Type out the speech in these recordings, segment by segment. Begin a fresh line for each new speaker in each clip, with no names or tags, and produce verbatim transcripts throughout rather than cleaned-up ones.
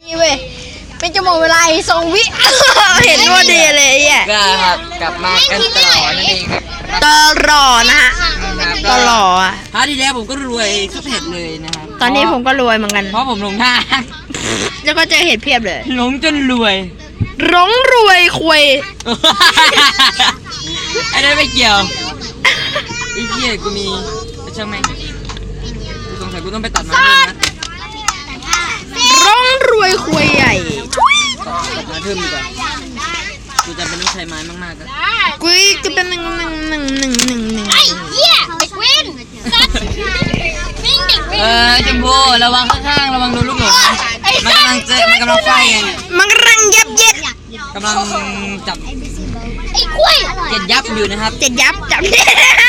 นี่เว้ยเป็นจะหมดเวลาสองวิเห็นว่าดีเลยอ่ะ
ก็ครับกลับมากันต่อนั่นเองครับ
ตลอดนะฮะตลอดอ่ะ
พาร์ทที่แล้วผมก็รวยสุดเห็ดเลยนะครับ
ตอนนี้ผมก็รวยเหมือนกัน
เพราะผมหลงทาง
แล้วก็เจอเห็ดเพียบเลย
หลงจนรวย
หลงรวยคุย
ไอ้นั่นไม่เกี่ยวไอ้เหี้ยกูมีช่างแม่งกูสงสัยกูต้องไปตัดไม้เพิ่มนะ
ร้องรวยคุยใหญ่
ตัดไม้เพิ่มดีกว่ากูจะเป็นต้องใช้ไม้มากๆกัน
กูจะเป็นหนึ่งหนึ่งหนึ่งหนึ่งหนึ่งหนึ่ง
ไอ้เหี้ยเด็กเว้นวิ่งเด็กเว้น
เออจมพูระวังข้างๆระวังโดนลูกหลงมันกำลังเจอมันกำลังไฟกัน
มันกำลังยับเย็ด
กำลังจับ
ไอ้กล้วย
เจ็ดยับอยู่นะครับ
เจ็ดยับจับเจ็ด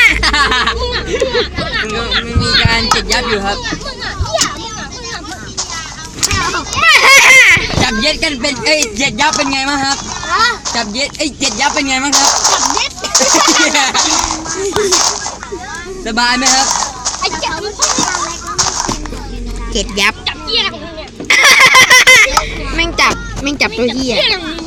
มันมีการเจ็ดยับอยู่ครับจับเย็ดกันเป็นเอ้ยเจ็ดยับเป็นไงบ้างครับจับเย็ดเอ้ยเจ็ดยับเป็นไงบ้างครับสบายไหมครับ
เจ็ดยับ
จับเหี้ยของมึงเนี่ย
แม่งจับแม่งจับตัวเหี้ย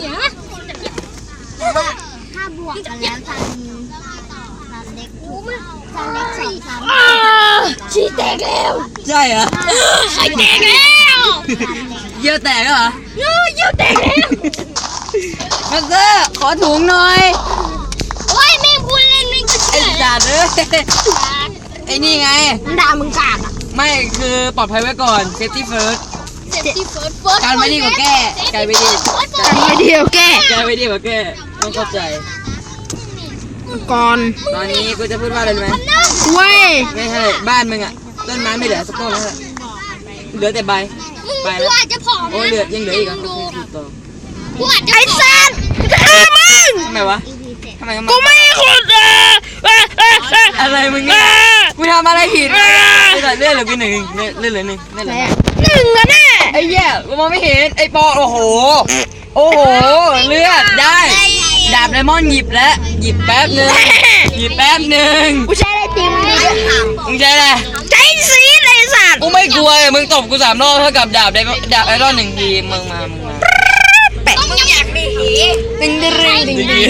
ถ้าบวกกันแล้วทางทางเล็กถูกทางเล็กสี่ทางชี้แตกแล้ว
ใช่เหรอ
ไข่แตกแล้ว
เยี่ยวแตกเหรอ
เยี่ยวแตกแล้ว
มาเซอร์ขอถุงหน่อย
โอ้ยแม่งพูดเล่นไม่ก็เชื่อ
ไอ้จ่าเด้อไอ้นี่ไง
มันด่ามึงกากอ่ะ
ไม่คือปลอดภัยไว้ก่อน safety first การไม่ดีกว่าแก้การไม่ดี
การไม่ดีกว่าแก้
การไม่ดีกว่าแก้ต้องเข้าใจ
ก่อน
ตอนนี้กูจะพูดว่าอะไรรู้ไหม
เว้ย
ไม่ใช่บ้านมึงอ่ะต้นไม้ไม่เหลือสักต้นแล้วเหลือแต่ใบใบแล้วโอ้เหลือยังเหลืออีกอ่ะ
ไอ้สัตว์ฆ่ามึง
ทำไมวะทำไม
กูไม่ขุด
อะไรมึงเนี่ยกูทำอะไรผิดเลื่อนเหลือกูหนึ่งเลื่อนเหลือหนึ่งเลื่อนเหลือ
หนึ่งอะแน่
ไอ้แย่กูมองไม่เห็นไอ้ปอโอ้โหโอ้โหเลือดได้ดาบไดมอนด์หยิบแล้วหยิบแป๊บนึงหยิบแป๊บนึง
กูใช้อะไรตีมึง
มึงใช้อะไร
ใช้ซีดไอ้สัตว์
กูไม่กลัวมึงตบกูสามรอบเท่ากับดาบไดดาบไอรอนหนึ่งทีมึงมามึงมา
แปะมึงอยากมีหีดึงดึงดึงดึงดึงดึงดึงดึงดึงดึงดึง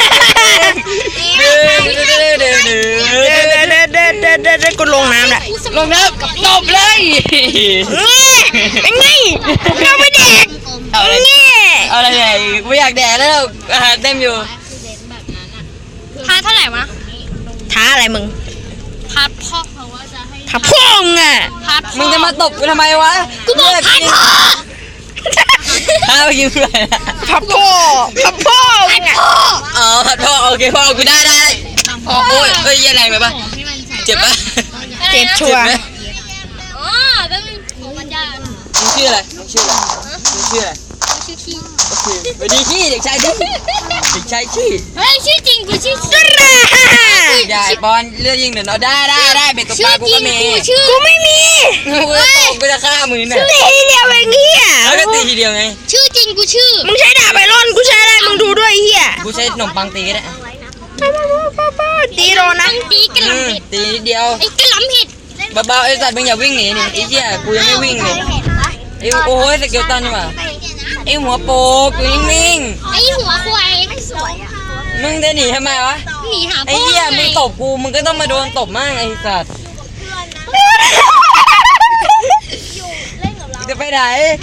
ดึงกูลงน้ำแหละ
ลงน้ำตบเลย
เป็นไงเราไม่แดก
เอาอะไรเอาอะไรกูอยากแดกแล้วอาหารเต็มอยู่
ท้าเท่าไหร่วะ
ท้าอะไรมึง
พัดพ่อเขาว่าจะให้
ท้าพ่องอ่ะ
มึงจะมาตบกูทำไมวะ
กูบอกพัดพ่อ
ท้าไปกินอะไร
พับพ่อพับพ่อ
พัดพ่อ
อ๋อพัดพ่อโอเคพ่อกูได้ได้พ่อโอ้ยเอ้ยยังไงไปปะเจ็บปะ
เจ็บชัวร์
อ๋อแล้วมึงมันยาก
มึงชื่ออะไรมึงชื่ออะไรมึงชื่ออะไร
ชื่อขี้
โอเคสวัสดีขี้เด็กชายดิเด็กชายขี้
เฮ้ยชื่อจริงกูชื่อชื่อ
ใหญ่บอลเลือดยิงเดี๋ยวเราได้ได้ได้เป็นตัวปลากูก็มี
กูไม่มี
กูจะตบกูจะฆ่ามึงเนี่ย
ตีทีเดียวเองเฮีย
แล้วก็ตีทีเดียวไง
ชื่อจริงกูชื่อ
มึงใช้ดาบไอรอนกูใช้อะไรมึงดูด้วยเฮีย
กูใช้ขนมปังตีก็ได้
ตีโดนนะ
ตีกระหล่ำผิด
ตีเดียว
ไอ้กระหล่ำผิด
เบาๆไอ้สัตว์มึงอย่าวิ่งหนีนี่ไอ้เหี้ยกูยังไม่วิ่งเลยไอ้โอ้ยสเกลตันนี่หว่าไอ้หัวโปกอยู่นิ่ง
ๆไอ้หัวควายไม่สวยอ่ะ
มึงจะหนีทำไมวะ
หนีหาพ่อ
ไอ้เหี้ยมึงตบกูมึงก็ต้องมาโดนตบมั่งไอ้สัตว์จะไปไหน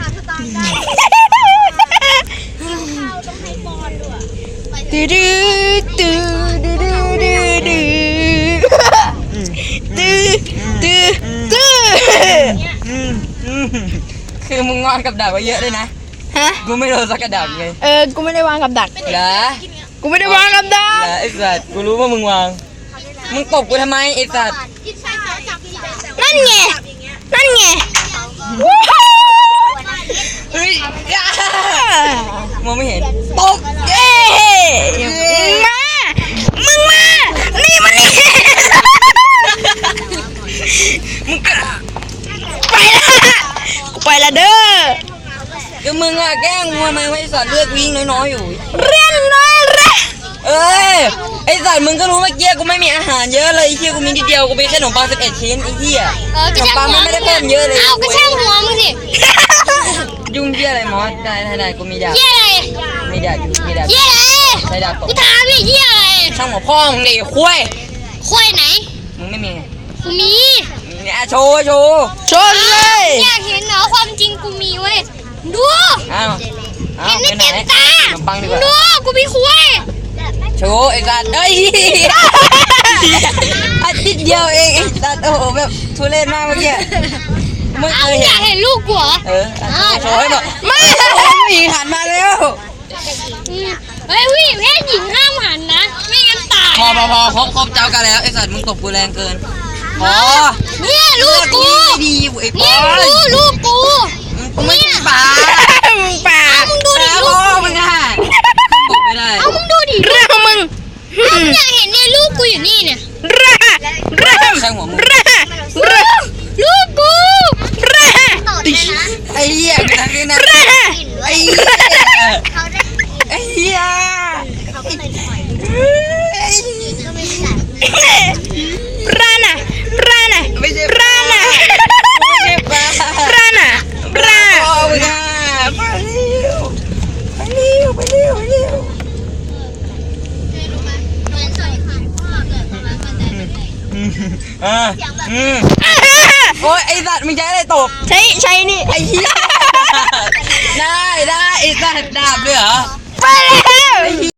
ตื้อตื้อตื้อตื้อตื้อตื้อตื้อตื้อ
คือมึงงอนกับดาบไว้เยอะเลยนะ
ฮะ
กูไม่โดนสักกระดาษเลย
เออกูไม่ได้วางกับดัก
เหรอ
กูไม่ได้วางกับดัก
เหรอไอ้สัตว์กูรู้ว่ามึงวางมึงตบกูทำไมไอ้สัตว์
นั่นไงนั่นไง
เฮ้ยมองไม่เห็นตบ
เย้มามึงมานี่มานี่
มึง
ไปละกูไปละเด้อ
ก็มึงอะแกล้งมัวมึงไอ้สัตว์เลือดวิ่งน้อยๆอยู่
เรียนน้อยเร่
เอ้ยไอ้สัตว์มึงก็รู้เมื่อกี้กูไม่มีอาหารเยอะเลยไอ้เหี้ยกูมีนิดเดียวกูมีแค่ขนมปังสิบเอ็ดชิ้นไอ้เหี้ยขนมปังไม่ได้เพิ่มเยอะเลย
เอาก็ช่างหัวมึงสิ
ยุ่งเหี้ยอะไรมอสได้ได้ได้กูมีดาบ
เหี้ยอะไร
มีดาบมีดาบ
เหี้ยอะไร
ใช้ดาบตบ
กูถามพี่เหี้ยอะไร
ช่างหัวพ่อมึงดิคุย
ควายไหน
มึงไม่มีไง
กูมี
เนี่ยโชว์โชว์
ชนเลย
อยากเห็นเหรอความจริงกูมีเว้ยดู
อ้าวอ้า
เห็
วน ไป
ไม่
ไหน
เต็มตา
ขนมปังดีกว่า
ดูกูมีควาย
โชว์ไอ้สัตว์เอ้ยอาทิตย์เดียวเองไอ้สัตว์โอ้โหแบบทุเรศมากเมื่อกี้ไม่เค
เอา
ย
อ
เห็
ยาก
น
เห็นลูกกูเหรอ
เอออ่ะโชว์ให้หน่อยไม่ผู้หญิงหันมาแล้ว
อืมเฮ้ยพี่เพศหญิงห้ามหันนะ ไม่งั้นตาย
พอพอพอครบครบเจ้ากันแล้วไอ้สัตว์มึงตบกูแรงเกินพอ
เนี่ยลูกกู
ไม่ดีไอ้ป
เนี่
อย น
ดูลูกกู
กูไม่ใช่ปลา
มึงป่า
มึงดูดิ
แล้ว
ลู
พ่
ก
อมึงอ่ะบอกไม่ได้
เอามึงดูดิ
เรื่องของมึง
เอามึงอยากเห็นเนี่ยลูกกูอยู่นี่เนี่ย
เรื่องเรื่อง
ใช่หัวมึง
เรื่องเรื่อง
ลูกกู
เรื่อง
ต่อเลยนะ
ไอ้เหี้ยกูทำนี่นะ
เรื่อง
ไอ้เหี้ย
เขาได้
ไอ้เหี้ย
เขาก็เลยปล่อย
ไอ้
ก็ไม่ได้
ร้านอะร้านอะ
ไม่ใช่
ร้านอะ
ไม่ใช่ปลา
ร้านอะร้าน
พ่อมึงอ่ะไปเร็วไปเร็วไปเร็วไปเร็ว
รู้ไหมเหมือนสอยขายพ่อเกิดประมาณวันใดวันหนึ่ง
อืมอ่าอืมโอ้ยไอ้สัตว์มึงใช้อะไรตบ
ใช้ใช้นี่
ไอ้เหี้ยได้ได้ไอ้สัตว์ดาบเลยเหรอ
ไปแล้ว